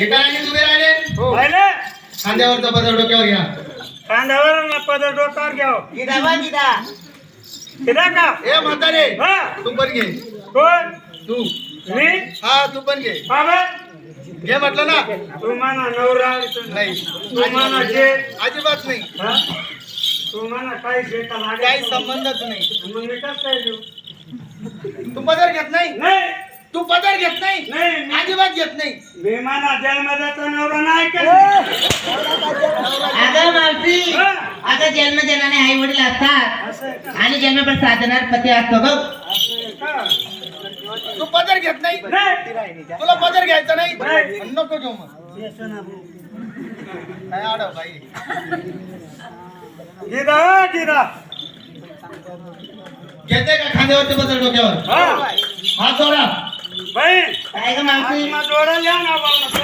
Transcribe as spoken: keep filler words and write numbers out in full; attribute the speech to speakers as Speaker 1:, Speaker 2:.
Speaker 1: एका रांगेत उभे राहिले.
Speaker 2: राहिले
Speaker 1: खांद्यावरचा पदर डोक्यावर घ्या.
Speaker 2: खांद्यावर ना पदर डोक्यावर घ्याव.
Speaker 3: गिदा वा गिदा.
Speaker 2: किदा का
Speaker 1: ए म्हातारे
Speaker 2: हा
Speaker 1: तू पण घे.
Speaker 2: कोण
Speaker 1: तू
Speaker 2: मी
Speaker 1: हा तू पण घे.
Speaker 2: बाबा
Speaker 1: घे म्हटलं ना.
Speaker 2: तू म्हणा नवरा
Speaker 1: नाही
Speaker 2: तू म्हणा जे
Speaker 1: अजिबात नाही.
Speaker 2: हा तू म्हणा काही शेता
Speaker 1: काही
Speaker 2: लागेल
Speaker 1: संबंधच नाही.
Speaker 2: मग मी कसं काय देऊ
Speaker 1: तू पदर घेत नाही.
Speaker 2: नाही
Speaker 1: तू पदर घेत नाही.
Speaker 2: नाही मी-
Speaker 1: अजिबात घेत नाही.
Speaker 2: मी म्हणा जन्मदाता नवरा नाही का
Speaker 3: अगं मावशी
Speaker 2: हा.
Speaker 3: अगं जन्म जनाने आई वडील असतात
Speaker 2: असं आहे का?
Speaker 3: आणि जन्म साधणार पती असतो ग.
Speaker 2: असं आहे का?
Speaker 1: तू पदर घेत नाही.
Speaker 2: नाही
Speaker 1: तुला पदर घ्यायचा नाही.
Speaker 2: नाही.
Speaker 1: नको घेऊ मग. काय आडव बाई.
Speaker 2: गिदा गिदा
Speaker 1: घेते का खांद्यावरती पदर डोक्यावर.
Speaker 2: हा
Speaker 1: हात जोडा.
Speaker 2: बाई
Speaker 3: काय ग मावशी
Speaker 2: आत्मा जोडायला या ना बाबा